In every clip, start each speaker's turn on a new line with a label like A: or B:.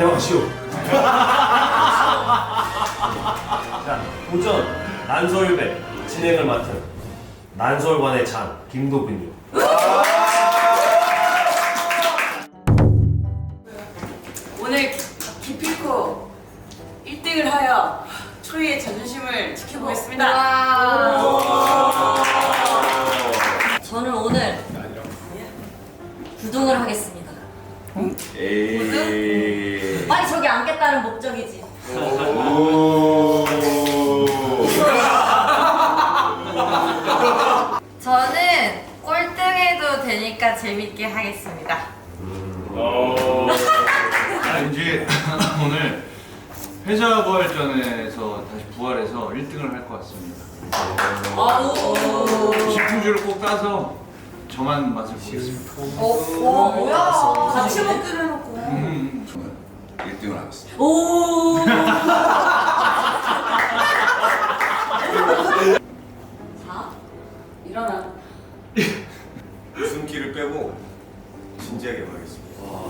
A: 대박시오. 자, 도전 난설배 진행을 맡은 난설관의 장 김도근요.
B: 오늘 기필코 1등을 하여 초이의 자존심을 지켜보겠습니다.
C: 저는 오늘 9등을 하겠습니다.
D: 에이.
C: 빨리 저기 앉겠다는 목적이지.
E: 저는 꼴등해도 되니까 재밌게 하겠습니다.
F: 왠지 오늘 패자부활전에서 다시 부활해서 1등을 할 것 같습니다. 신풍주를 꼭 따서 저만 맛을 보겠습니다.
C: 뭐야?
B: 같이 먹기로 해놓고.
D: 저는 1등을 하겠습니다.
C: 오. 자,
B: 일어나.
D: 웃음기를 빼고 진지하게 말하겠습니다.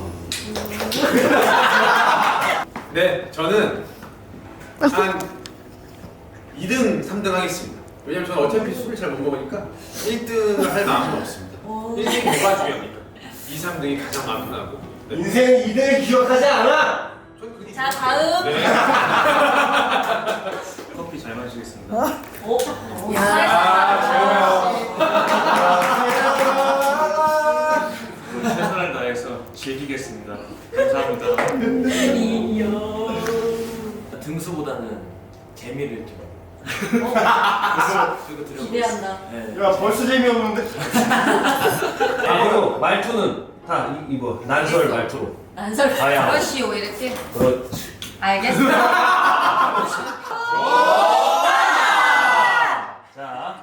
G: 네, 저는 한 2등, 3등 하겠습니다. 왜냐면 저는 어차피 술을 잘 못 먹으니까 1등을 할 마음은 없습니다. 1등이 뭐가 중요합니까? 2, 3등이 가장 마음 편하고. 네.
A: 인생 2등을 기억하지 않아.
G: 저는 그게
C: 자 다음.
G: 네.
F: 커피 잘 마시겠습니다.
C: 오.
F: 최선을 다해서 즐기겠습니다. 감사합니다.
A: 등수보다는 재미를 좀.
C: 기대한다.
A: 야 벌써 재미없는데? 아 그리고 말투는 다 이거 난설 말투로.
C: 난설.
A: 가야.
E: 그러시오 이렇게.
A: 그렇지.
E: 알겠습니다.
A: 자,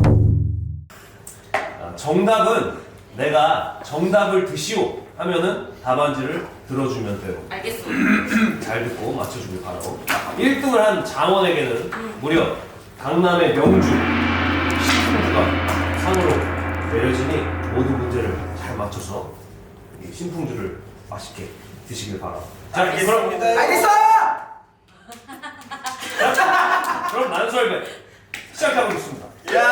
A: 정답은 내가 정답을 드시오 하면은 답안지를 들어주면 돼요.
B: 알겠습니다.
A: 잘 듣고 맞춰주길 바라고. 1등을 한 장원에게는 무려 강남의 명주 신풍주가 상으로 내려지니 모든 문제를 잘 맞춰서 이 신풍주를 맛있게 드시길 바라고. 자, 알겠습니다. 알겠어! 그럼 난설배 시작해보겠습니다.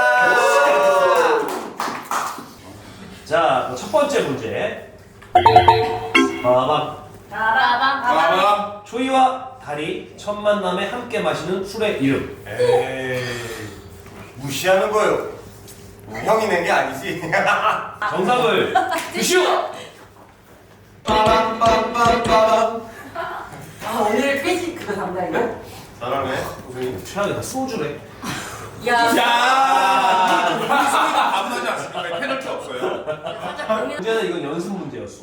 A: 자, 첫 번째 문제. 빠밤.
C: 빠밤.
A: 초이와 달이 첫 만남에 함께 마시는 술의 이름.
D: 에이. 무시하는 거요. 형이 낸 게 아니지.
A: 정답을 드시오.
D: 빠밤빰빰빰.
B: 아, 오늘 피지크 담당이야?
D: 잘하네. 선생님.
A: 최악이다. 소주래.
C: 야.
G: 밥하지 않습니까? 페널티 없어요.
A: 문제는 이건 연습 문제였어.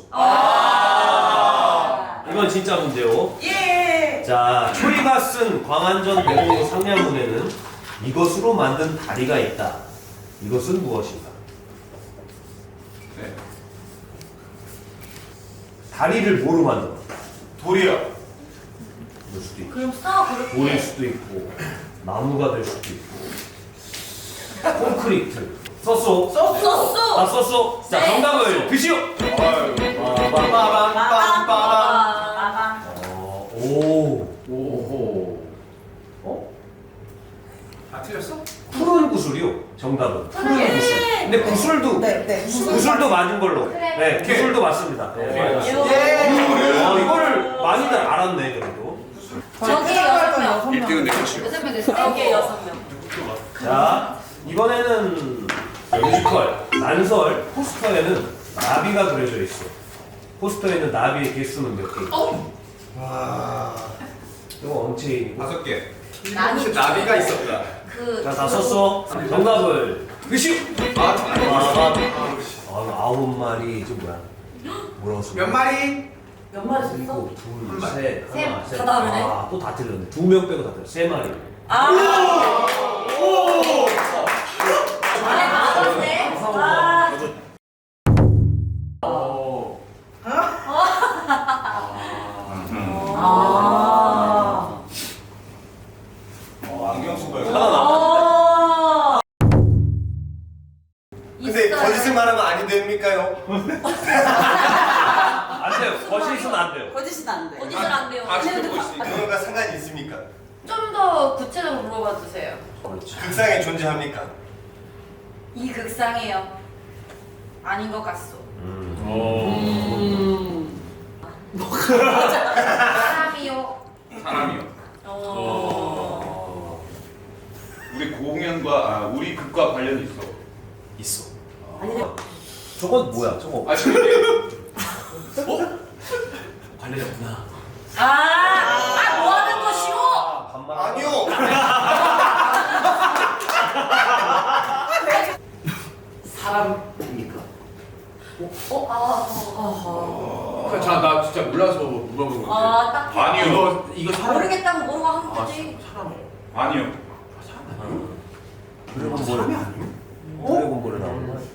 A: 이건 진짜 문제요.
B: 예!
A: 자, 초이가 쓴 광안전 대공로 상량문에는 이것으로 만든 다리가 있다. 이것은 무엇인가?
G: 네.
A: 다리를 뭐로 만들어?
D: 돌이요.
A: 그럴 수도 있고,
C: 그럼 써 그렇게.
A: 돌일 수도 있고, 나무가 될 수도 있고, 콘크리트. 썼어?
C: 썼어.
A: 아, 썼어? 자,
C: 네.
A: 정답을 드시오.
D: 빠밤빰빰빰.
A: 오.
G: 오호.
A: 어?
G: 다 틀렸어?
A: 푸른 구슬이요. 정답은 푸른 구슬. 근데 구슬도 구슬도 맞은 걸로.
C: 그래.
A: 네, 구슬도 맞습니다. 네, 맞았어요. 이거를 많이들 알았네 그래도.
C: 저기 6명.
D: 1등은 내 것이요.
E: 6명 됐어요?
C: 여기 6명.
A: 자, 이번에는 뮤지컬 난설 포스터에는 나비가 그려져 있어. 포스터에는 나비의 개수는 몇 개?
D: 와.
A: 이거 엄청.
G: 5개.
C: 나비.
G: 혹시 나비가 있었다.
C: 그.
A: 자, 다 썼어. 정답을 드시오. 아, 9마리. 저 뭐야? 뭐라고 써?
G: 몇 마리?
B: 몇 마리 썼어?
A: 일곱, 둘, 셋, 하나, 셋.
C: 다 다르네.
A: 아, 또 다 틀렸네. 2명 빼고 다 틀렸어. 3마리.
C: 안에 나왔네.
D: 안경 쓴 거예요.
C: 아.
D: 근데
E: 있어요.
D: 거짓말하면 아니 됩니까요?
A: 안 거짓이에요. 거짓은 안 돼요.
B: 거짓은 안 돼.
C: 어디서 안 돼요?
G: 아 지금 보고 있으니까.
D: 그거가 상관이 있습니까?
E: 좀 더 구체적으로 물어봐 주세요.
A: 그렇지.
D: 극상에 존재합니까?
E: 이 극상이요. 아닌 것 같소. 사람이요.
H: 사람이요. 우리 공연과 우리 극과 관련이 있어.
A: 있어.
B: 아니,
A: 저건 뭐야? 저거
H: 아 근데
A: 관련이 없구나.
C: 뭐 하는 것이오?
A: 반말.
D: 아니요.
A: 사람입니까?
G: 자나 진짜 몰라서 물어본 건데.
C: 딱
H: 아니요.
G: 이거 사람.
C: 모르겠다고 뭐라고 하는 거지.
H: 아니요.
A: 드래곤볼. 사람이 아니에요? 드래곤볼에 나오는 거야?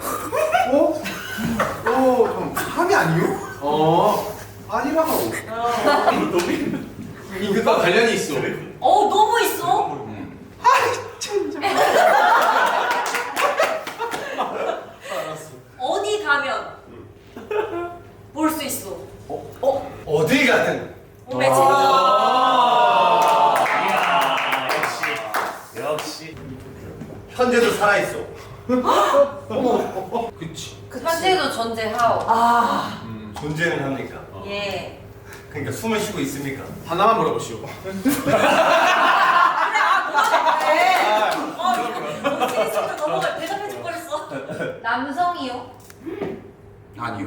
G: 좀 사람이 아니요? 아니라고. 이 극과 관련이 있어.
C: 너무 있어. 어디 가면 볼 수 있어.
D: 어디 가든
C: 몸에
A: 이야, 역시.
D: 현재도 살아 있어.
G: 그치.
E: 현재도 존재하오.
D: 존재는 합니까?
E: 예.
D: 그러니까 숨을 쉬고 있습니까?
G: 하나만 물어보시오.
C: 넘어가 대답해줄 뻔했어.
E: 남성이요.
G: 아니요.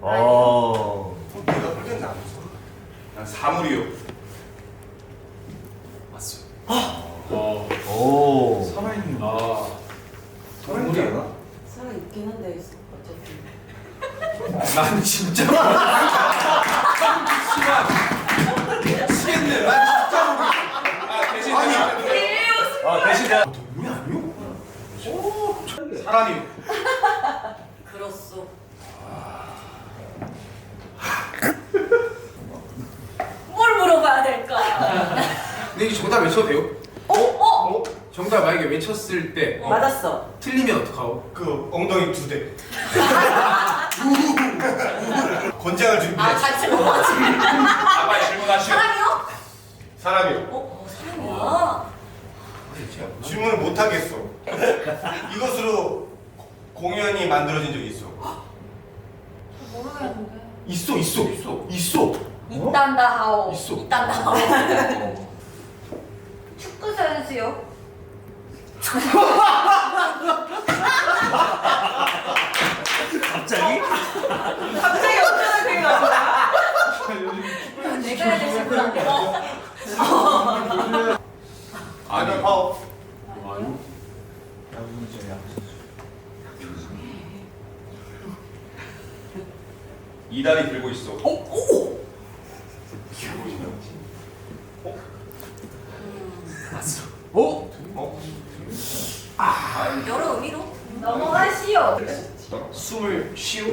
D: 내가 볼 때는 안 무서워.
H: 난 사물이요.
A: 맞어요.
F: 오.
A: 살아있는.
G: 동물이 아니야?
B: 살아 있긴 한데 어쨌든.
G: 난 진짜 미치겠네. 난 진짜 대신
D: 아니.
A: 대신 내가
D: 동물이 아니요?
G: 사람이
C: 그렇소. 뭘 물어봐야 될까?
G: 근데 이게 정답 외쳐도 돼요? 정답 만약에 외쳤을 때
B: 맞았어.
G: 틀리면 어떡하오?
D: 그 엉덩이 2대. 권장을 준비해.
C: 같이 먹어야지.
H: 빨리 질문하시오.
C: 사람이요?
D: 사람이요.
C: 사람이야.
D: 질문을 못 하겠어. 이것으로 공연이 만들어진 적이 있어.
E: 모르겠는데.
G: 있어.
C: 있단다 하오.
G: 있어.
C: 있단다 하오.
E: 축구 선수요.
A: 갑자기?
B: 갑자기 어쩌다 생각나.
C: 내가 해야 될 질문 안 돼.
D: 아니, 파워.
H: 이다리 들고 있어.
C: 여러 의미로.
E: 넘어가시오.
A: 숨을 쉬우?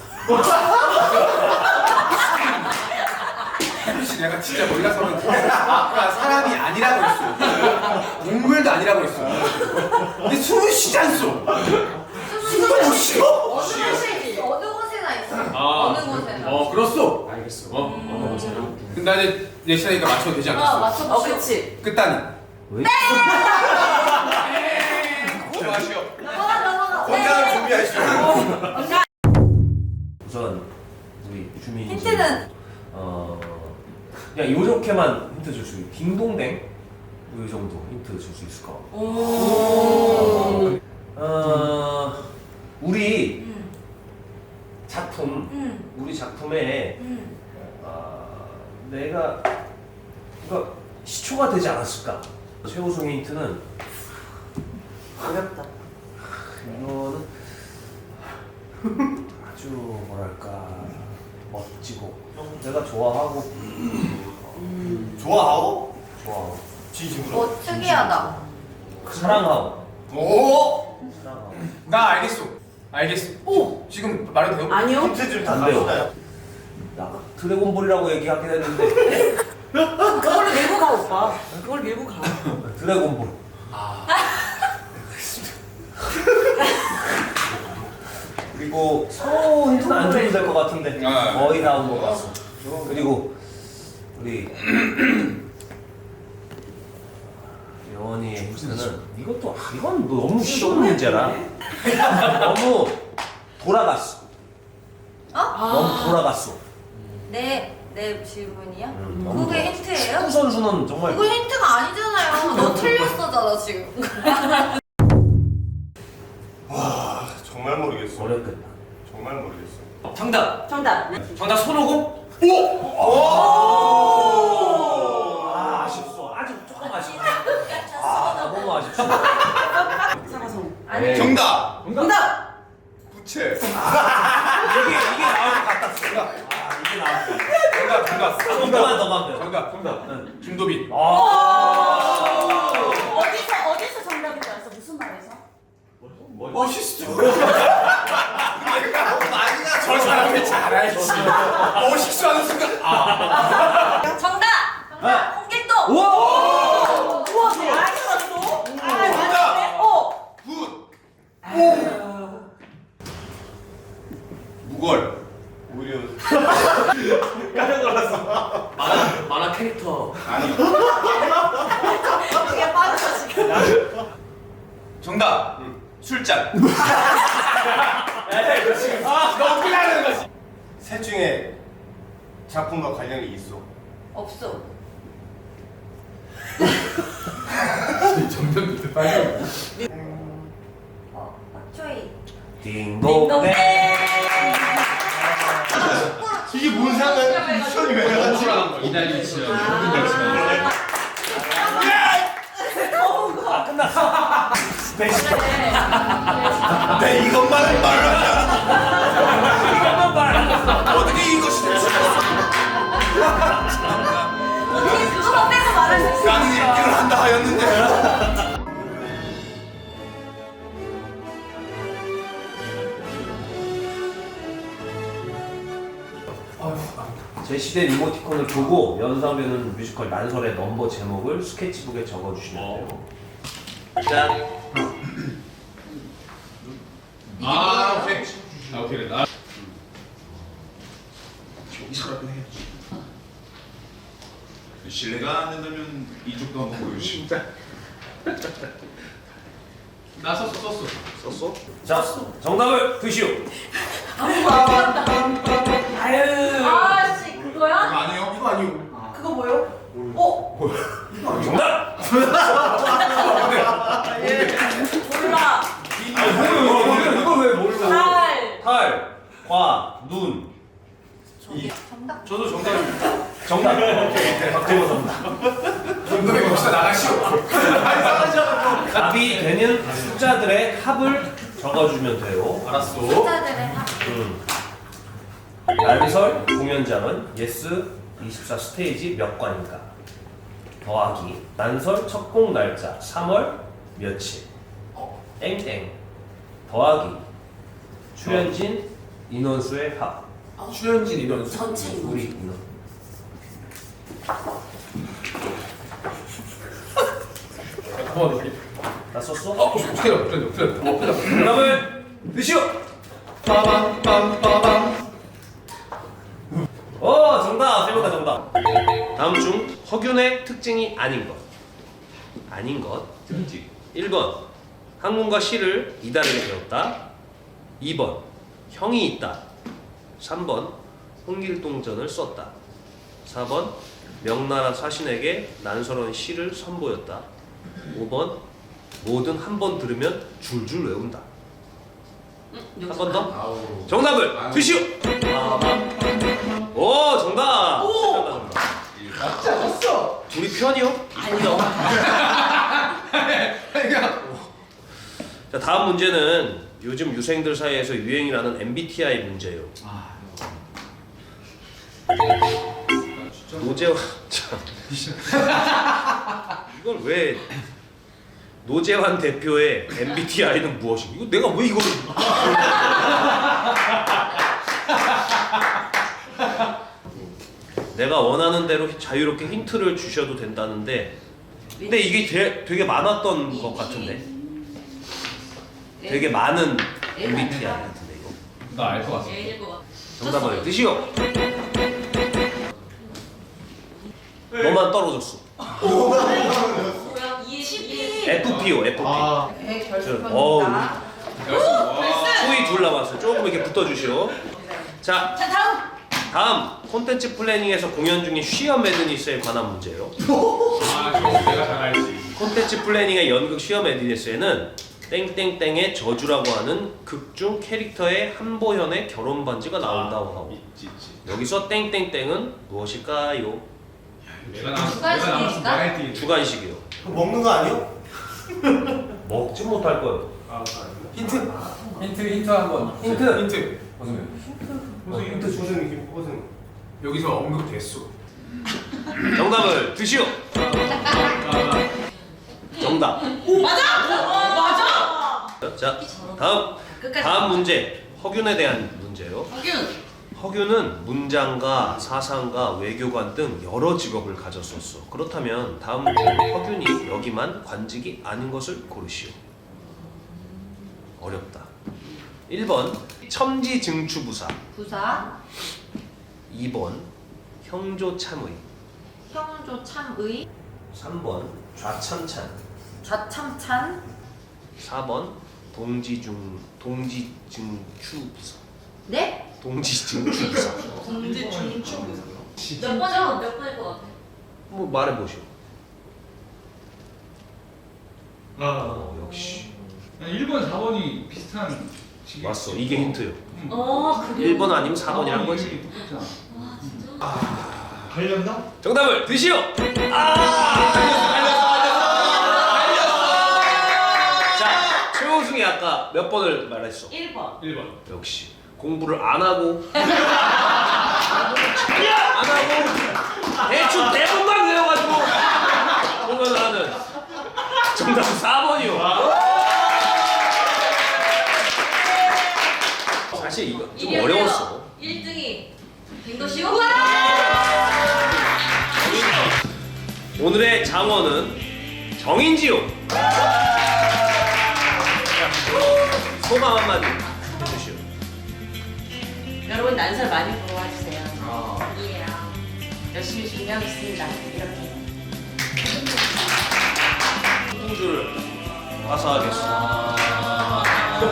G: 혹시 내가 진짜 몰라서는 아까 사람이 아니라고 했어. 동물도 아니라고 했어. 근데 숨을 쉬지 않소. 숨을 못 쉬어.
E: 어느 곳에나 있어. 어느 곳에나.
G: 그렇소.
A: 알겠어.
G: 근데 나 이제 내 시간이니까 맞춰도 되지 않겠어?
E: 맞춰보시오.
B: 그치.
G: 끝단이.
A: 왜?
H: 질문하시오.
C: 넘어가.
D: 권장을 준비하시오.
A: 우선 우리 주민
C: 힌트는
A: 그냥 이렇게만 힌트 줄 수 있어. 딩동댕 이 정도 힌트 줄 수 있을까? 우리 작품 우리 작품에 내가 그러니까 시초가 되지 않았을까? 최우승의 힌트는
B: 어렵다.
A: 이거는 아주 뭐랄까 멋지고 내가 좋아하고
D: 좋아하오?
A: 좋아하고
D: 진심으로.
E: 특이하다.
A: 사랑하고
D: 오!
A: 사랑하고
G: 나 알겠어. 오. 지금 말해도 돼요?
B: 아니요.
D: 힌트 좀
A: 안 돼요.
D: 달라주나요?
A: 나 드래곤볼이라고 얘기하긴 했는데
B: 그걸 밀고 가 오빠. 그걸 밀고 가.
A: 드래곤볼 그리고 서로 힌트는 안 줘도 될 것 같은데
H: 아.
A: 거의 나온 것 같어. 그리고 우리 여원이의 힌트는 이것도 이건 너무 쉬운 문제라. 너무 돌아갔어. 너무 돌아갔어.
C: 내 질문이요?
A: 너무
C: 그게
A: 돌아갔어.
C: 힌트예요?
A: 축구 선수는 정말
E: 그거 힌트가 아니잖아요. 너 틀렸어잖아 지금.
D: 와 정말 모르겠어.
A: 어렵겠다.
D: 정말 모르겠어.
A: 정답.
B: 정답.
A: 정답 손오공. 아 아쉽소. 아주 조금 아쉽소. 아 너무 아쉽소.
B: 사과성.
A: 아니
D: 정답.
B: 정답.
D: 부채.
A: 이게 나올 것 같았어. 이게 나올 것 같았어.
G: 정답.
A: 조금만 더 가면 돼.
G: 정답. 김도빈.
C: 어디서 정답인 줄 알았어? 무슨 말에서?
D: 멋있어. 아니야 저 사람이 잘 알지. 멋있어 하는 순간.
C: 정답! 홍길동!
A: 우와.
B: 우와, 많이 들었어?
D: 정답. 굿. 무걸. 오히려.
A: 깜짝 놀랐어.
F: 만화 캐릭터.
D: 아니.
C: 그게 빠졌어 지금.
D: 정답. 술잔.
A: 너무 피하는 거지.
D: 셋 중에 작품과 관련이 있어.
E: 없어.
G: 점점 밑에 빠져.
C: 박초희.
A: 딩동댕.
D: 이게 뭔 상관이야? 미션이 왜 나갔지?
F: 이달리 치열.
A: 아 끝났어. 스페셜.
D: 내 이것만은 말하지 않아.
A: 이것만 말.
D: 어떻게 이것이 될 수 있어?
C: 어떻게 그거만 빼고 말할 수 있어?
D: 나는 읽기를 한다 하였는데.
A: 제시된 이모티콘을 보고 연상되는 뮤지컬 난설의 넘버 제목을 스케치북에 적어주시면 돼요. 짠.
H: 아 오케이. 아 오케이. 나 여기서라도 해야지. 신뢰가 안 된다면 이쪽도 한번 보여주시.
F: 나 썼어.
A: 썼어? 자, 정답을 드시오. 아유.
C: 아씨 그거야?
H: 아니요. 이거 아니요.
B: 그거 뭐요?
A: 정답.
C: 몰라.
A: 이걸 왜 몰라?
C: 달.
A: 탈, 과, 눈.
E: 정답.
G: 저도 정답입니다.
A: 정답. 오케이. 박재호 정답.
G: 정답이 없어 나가시오.
A: 답이 되는 숫자들의 합을 적어주면 돼요.
G: 알았어.
E: 숫자들의 합.
A: 난설 공연장은 예스 24 스테이지 몇 관인가? 더하기 난설 첫공 날짜 3월 며칠 땡땡 더하기 출연진 인원수의 합.
G: 출연진 인원수.
B: 전체 인원.
A: 우리 인원. 다 썼어?
G: 틀렸다.
A: 정답을 드시오.
G: 빠밤.
A: 정답. 세 번 다 정답. 다음 중 허균의 특징이 아닌 것. 아닌 것. 특징. 1번 학문과 시를 이다르게 배웠다. 2번 형이 있다. 3번 홍길동전을 썼다. 4번 명나라 사신에게 난설한 시를 선보였다. 5번 뭐든 한 번 들으면 줄줄 외운다. 한 번 더? 정답을 드시오. 오 정답. 정답.
G: 맞지 않았어.
A: 우리 편이요? 아니요. 자 다음 문제는 요즘 유생들 사이에서 유행이라는 MBTI 문제예요. 노재환 참 이걸 왜 노재환 대표의 MBTI는 무엇인가? 이거 내가 왜 이거를 내가 원하는 대로 자유롭게 힌트를 주셔도 된다는데 근데 이게 되게 많았던 것 같은데 되게 많은 MBTI 같은데 이거
F: 나 알 것 같아.
C: 얘일 것 같아.
A: 정답을 드시오. 너만 떨어졌어.
C: 뭐야? 이해.
A: FPO, FP.
E: 네,
A: 어우.
E: 결승입니다.
A: 수위 둘 남았어요. 조금 이렇게 붙어주시오. 자, 다음 콘텐츠 플래닝에서 공연 중인 쉬어 매드니스에 관한 문제예요.
F: 아, 이거 내가 잘 알지.
A: 콘텐츠 플래닝의 연극 쉬어 매드니스에는 땡땡땡의 저주라고 하는 극중 캐릭터의 한보현의 결혼 반지가 나온다고 하고
H: 있지.
A: 여기서 땡땡땡은 무엇일까요?
F: 내가 나
E: 누가
F: 내가 나와서
E: 했습니까?
F: 말할 때.
A: 주관식이요.
D: 먹는 거 아니요?
A: 먹지 못할 거예요.
G: 힌트.
F: 힌트 한번.
G: 힌트.
D: 무슨 힌트 무슨
G: 여기서 언급됐어.
A: 정답을 드시오. 정답.
C: 맞아.
A: 자, 다음 문제. 허균에 대한 문제예요. 허균은 문장가, 사상가, 외교관 등 여러 직업을 가졌었어. 그렇다면 다음 중 허균이 여기만 관직이 아닌 것을 고르시오. 어렵다. 1번 첨지증추부사,
E: 부사,
A: 2번 형조참의,
E: 형조 참의,
A: 3번 좌참찬,
E: 좌참찬,
A: 4번 동지증추부사.
E: 네?
A: 동지증추부사.
B: 공지 중추.
C: 몇 번이야? 몇 번일 것 같아?
A: 뭐 말해보시오. 역시
F: 1번, 4번이 비슷한 시기.
A: 맞어. 이게 힌트요.
C: 그래.
A: 1번 아니면 4번이 한 거지.
F: 똑같잖아.
D: 걸렸나?
A: 정답을 드시오. 자, 최호승이 아까 몇 번을 말했어?
C: 1번.
F: 1번.
A: 역시 공부를 안 하고 대충 대본만 외워가지고 보면 하는. 정답은 4번이요. 사실 이거 좀 어려웠어.
C: 1등이 된 것이요?
A: 오늘의 장원은 정인지요. 소감 한마디 해주시오.
B: 여러분 난설 많이 보러 와주세요.
C: 예.
B: 열심히 준비하고 있습니다. 이렇게.
A: 홍주를 화사하겠습니다.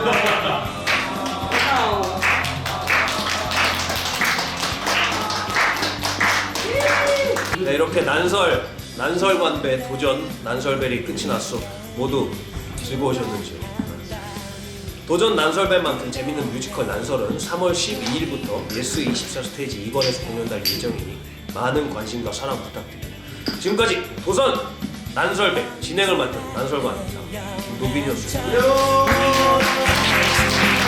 A: 네, 이렇게 난설관배 도전 난설벨이 끝이 났어. 모두 즐거우셨는지요? 도전 난설벨만큼 재밌는 뮤지컬 난설은 3월 12일부터 예스24 스테이지 2번에서 공연할 예정이니 많은 관심과 사랑 부탁드립니다. 지금까지 도전 난설벨 진행을 맡은 난설관 김도빈이었습니다.